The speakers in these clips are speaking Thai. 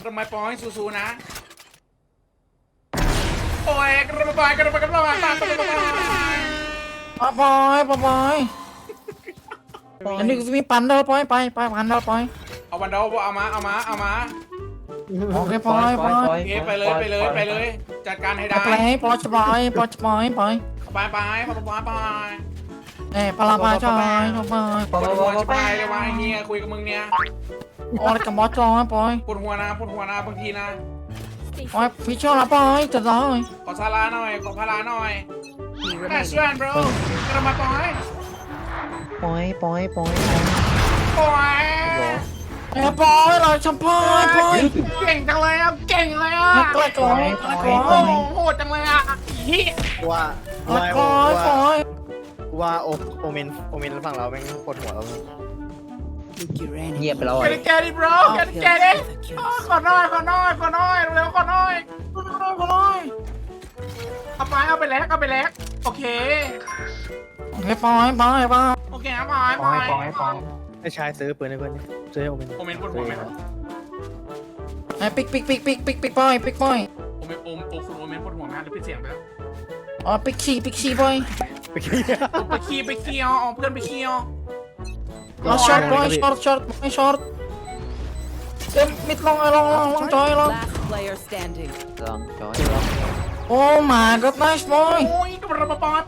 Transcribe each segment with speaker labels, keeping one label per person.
Speaker 1: ระมาปอยสู้ๆนะโอ้ยกระมาปอยกระมาปอยกระมาปอย
Speaker 2: ปอยอันนี้มีปันเด้อปอยไปปันเด้อปอย
Speaker 1: เอาวันเดาเอามา
Speaker 2: โอเคปอย
Speaker 1: โอเคไปเลยจัดการให้ได้
Speaker 2: ไปปอยไป
Speaker 1: ไป
Speaker 2: ปลาปลาจอยปอย
Speaker 1: ปวดหัวจะไปเลยวะเฮียคุยกับมึงเนี่ย
Speaker 2: โอ้ยกับมอจอยปอย
Speaker 1: ปวดหัวนะบางทีนะ
Speaker 2: ปอยฟิชเชอร์ละปอยจะได้
Speaker 1: ขอซาลาหน่อยขอพาราหน่อยแค่ช่วยบรกระมาปอย
Speaker 3: ปอย
Speaker 1: ปอย
Speaker 2: ปอยเลยชัมพอยปอย
Speaker 1: เก่งจังเลยอ่ะเก่งเลยอ่ะ
Speaker 2: กล้วยกล้วย
Speaker 1: โอ้โหดจังเลยอ่ะเฮีย
Speaker 4: ว่า
Speaker 2: ปอย
Speaker 4: ว่าโอเมนฝั่งเราแม่งปวดหัวเรา
Speaker 3: เงียบไปแล้ว
Speaker 1: แกดิบรแกดิขอหน่อยเร็วขอหน่อยเอาไปแลกโอเค
Speaker 2: โอเคปอย
Speaker 1: โอเคครับปอย
Speaker 4: ไอ้ชายซื้อปืนให้เพื่อนซื้อให้โอเมน
Speaker 1: โอเมนปวดหัวไหม
Speaker 2: ไอ้ปิกปอย
Speaker 1: โอเมนคุณโอเมนปวดหัวไหมหรือปิดเสียงไปแล้ว
Speaker 2: อ๋อปิกชีปอย
Speaker 4: ไปขี้
Speaker 1: ไปขี้เอาเพื่อนไปขี้เอา
Speaker 2: เราช็อตปอยช็อตเต็มมิดลองจอยลอง
Speaker 5: Last player standing.
Speaker 3: ลองจอย
Speaker 2: โอ้มาก็ไนส์ปอย
Speaker 1: โอ้ยกระมาปอย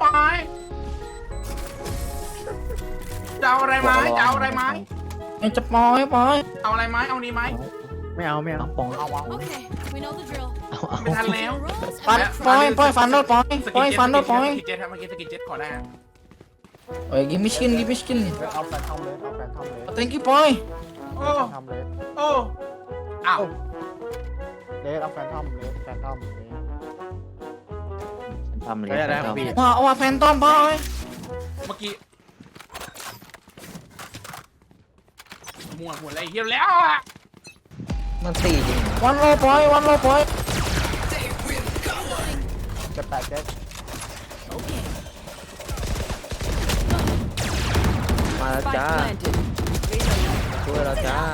Speaker 1: จะเอาอะไรไหม
Speaker 2: ไอ้จะปอย
Speaker 1: เอาอะไรไหมเอานี้ไหม
Speaker 4: ไม่เอา
Speaker 3: ปอง
Speaker 5: Okay, we know the drill.
Speaker 1: ไม่ทันแล้ว
Speaker 2: ปอยฟันด้วยปอยฟันด้วยปอย
Speaker 1: สกิเจ็ตครับเมื่อกี้สกิเจ็ตขอได้
Speaker 2: เอ้ยกิมมิสกิน
Speaker 4: เอาแฟนทอมเลย
Speaker 2: thank you ปอย
Speaker 1: โอ้อ้าว
Speaker 4: เอาแฟนทอม
Speaker 3: ทำเลย
Speaker 2: ว่าแฟนตอมปอย
Speaker 1: เมื่อกี้หมดอะไรเฮียแล้วอ่ะ
Speaker 3: มันตีจริง
Speaker 2: วันโลปอย
Speaker 4: จะแตกเจ๊
Speaker 3: มาแล้ว
Speaker 5: Spike
Speaker 3: จ้า
Speaker 5: planted.
Speaker 3: ช่วยเราจ้า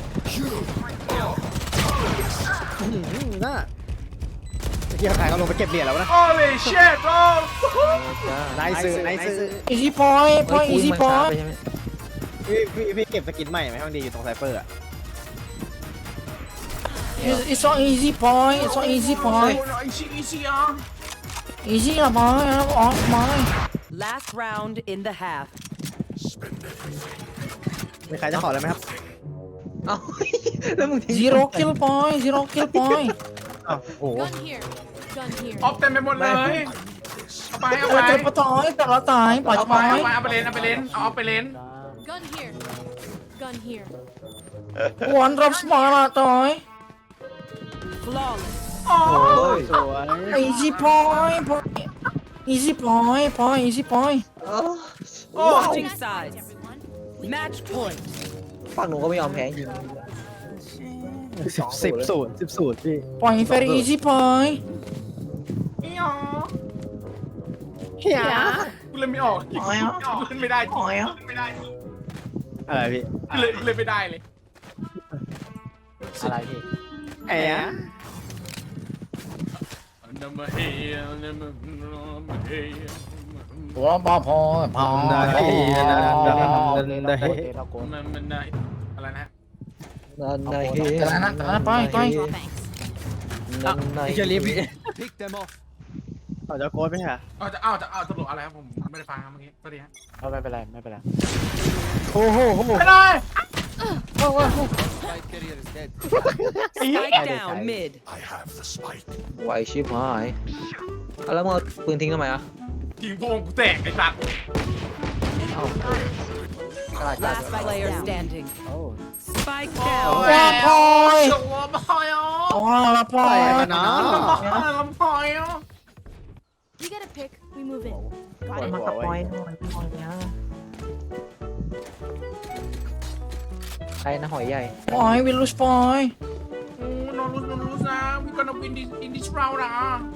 Speaker 4: น่าเฮียขายเขาลงไปเก็บเหรียญแล้วนะ
Speaker 1: โอ้ยเช็ดโอ้
Speaker 4: นายซื้อ
Speaker 2: อีซี่ปอยอีซี่ปอย
Speaker 4: พี่เก็บสกินใหม่ไหมมันดีอยู่ตรงไซเฟอร์อ่ะ
Speaker 2: it's so easy ปอย it's so easy ปอย
Speaker 1: อีซี่อ่ะ
Speaker 2: easy ละปอยออกปอย
Speaker 5: Last round in the half.
Speaker 4: มีใครจะขออะไรไหมครับ
Speaker 3: เอ้าแล้วมึงทิ้ง
Speaker 2: zero kill ปอย ปอย
Speaker 4: อ้าวโอ้
Speaker 5: Gun here. Gun here.
Speaker 1: ออฟเต็มไปหมดเลยเอาไป
Speaker 2: แต่ละตายแต่ละตายปล่อย
Speaker 1: เอา
Speaker 2: ป
Speaker 1: ไป
Speaker 2: อย
Speaker 1: เอาไปเล่นเอาไปเล่น
Speaker 5: Gun here. Gun here.
Speaker 2: วันรับสมาร์ละตอย
Speaker 5: Flawless.
Speaker 1: โอ้
Speaker 4: สวย
Speaker 2: easy ปอย easy ปอย easy ปอย
Speaker 1: โอ้
Speaker 5: Switching sides. Match point.
Speaker 3: ฝั่งหนูก็ไม่ยอมแพ้จริง
Speaker 4: 10-0พี่
Speaker 2: ปอย very easy ปอย
Speaker 1: เฮียกูเล่นไม่ออกเล่นไม่ได้จริงไม่ได้
Speaker 4: อะไรพี่
Speaker 1: เล่นไม่ได้เลย
Speaker 4: อะไรพี่ไอ้อะ
Speaker 2: ตัวปอพอพอ
Speaker 1: อะไรนะ
Speaker 3: นั่นไง
Speaker 2: แต่ละนะไป
Speaker 4: เชอรี่พี่เอาจะโค้ดไหมฮะ
Speaker 1: เอาตลกอะไรครับผมไม่ได้ฟังครับเมื่อกี้สวัสดีครับ
Speaker 4: ไม่เป็นไรโอ้โห
Speaker 1: ไม่ได้
Speaker 5: Spike down mid.
Speaker 3: ไหวชิบหายแล้วมึงเอาปืนทิ้งทำไมอ่ะ
Speaker 1: ทีมพวกกูแตกไอ้สัตว์
Speaker 5: Last player standing.
Speaker 4: โอ้
Speaker 5: Spike
Speaker 1: โอ้
Speaker 5: down.
Speaker 2: ว่าพอย
Speaker 1: ชัวร์พอยอ๋อ
Speaker 2: ละพอย
Speaker 4: เนาะ
Speaker 1: พอยอ๋อ
Speaker 5: You get a pick. We move in.
Speaker 4: ปวดหัวไว้
Speaker 3: ใครนะหอยใหญ่
Speaker 2: ปอยวิลุสปอย
Speaker 1: No lose นะ we gonna win in this round นะ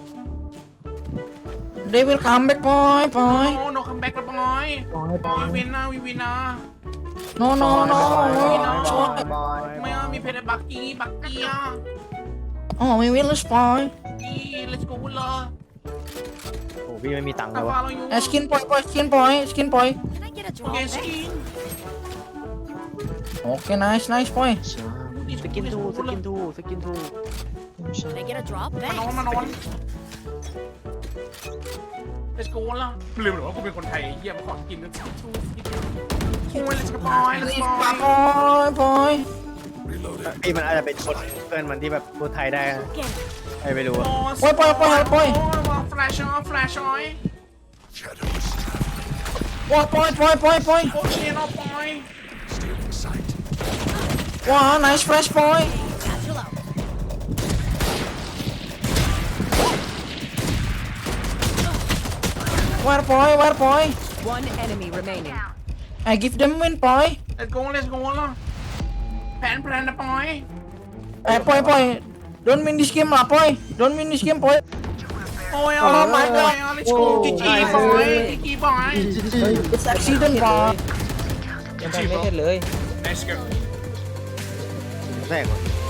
Speaker 2: they will come back ปอย
Speaker 1: no come back ละบอย we win นะ
Speaker 2: no no no ช็อต
Speaker 4: บอย
Speaker 1: ไม่เอามีเพชรบักกี้อ่ะ
Speaker 2: อ๋อไม่วินเลยปอย
Speaker 1: กี้ let's go เลย
Speaker 4: โอ้พี่ไม่มีตังค์เล
Speaker 1: ตาย
Speaker 4: ว่ะ
Speaker 1: ฟ้าเราอยู่
Speaker 2: สกินปอยสกินปอย
Speaker 5: Can I get a
Speaker 1: โอ
Speaker 5: drop?
Speaker 1: เคส
Speaker 5: Thanks.
Speaker 1: กิน
Speaker 2: โอเค nice ปอย
Speaker 4: สกินทู
Speaker 5: Can I get a drop?
Speaker 1: มานอน
Speaker 5: Thanks.
Speaker 1: มานอน let's go ละลืมหรือว่ากูเป็นคนไทยเยี่ยมขอกินกันสักชูโอ้ย let's go boy let's go
Speaker 2: ปอย
Speaker 4: พี่มันอาจจะเป็นคนเพื่อนมันที่แบบพูดไทยได้นะ
Speaker 5: Get it.
Speaker 4: ไม่รู้อะ
Speaker 2: ปอย
Speaker 1: flash on flash on
Speaker 2: ว้าปอย
Speaker 1: โอเคเนาะปอย
Speaker 2: ว้า nice flash ปอย
Speaker 5: Satchel out.
Speaker 2: where ปอย
Speaker 5: One enemy remaining.
Speaker 2: I give them win ปอย
Speaker 1: let's go ละแผนนะปอย
Speaker 2: ปอย don't win this game ล่ะปอย don't win this game ปอย
Speaker 1: โอ้ยเอา
Speaker 2: Oh my god
Speaker 1: let's go จีบอยจีบอย
Speaker 2: it's accident ปอย
Speaker 3: ยังไปไม่เห็นเลย
Speaker 1: let's go
Speaker 4: แรกว่ะ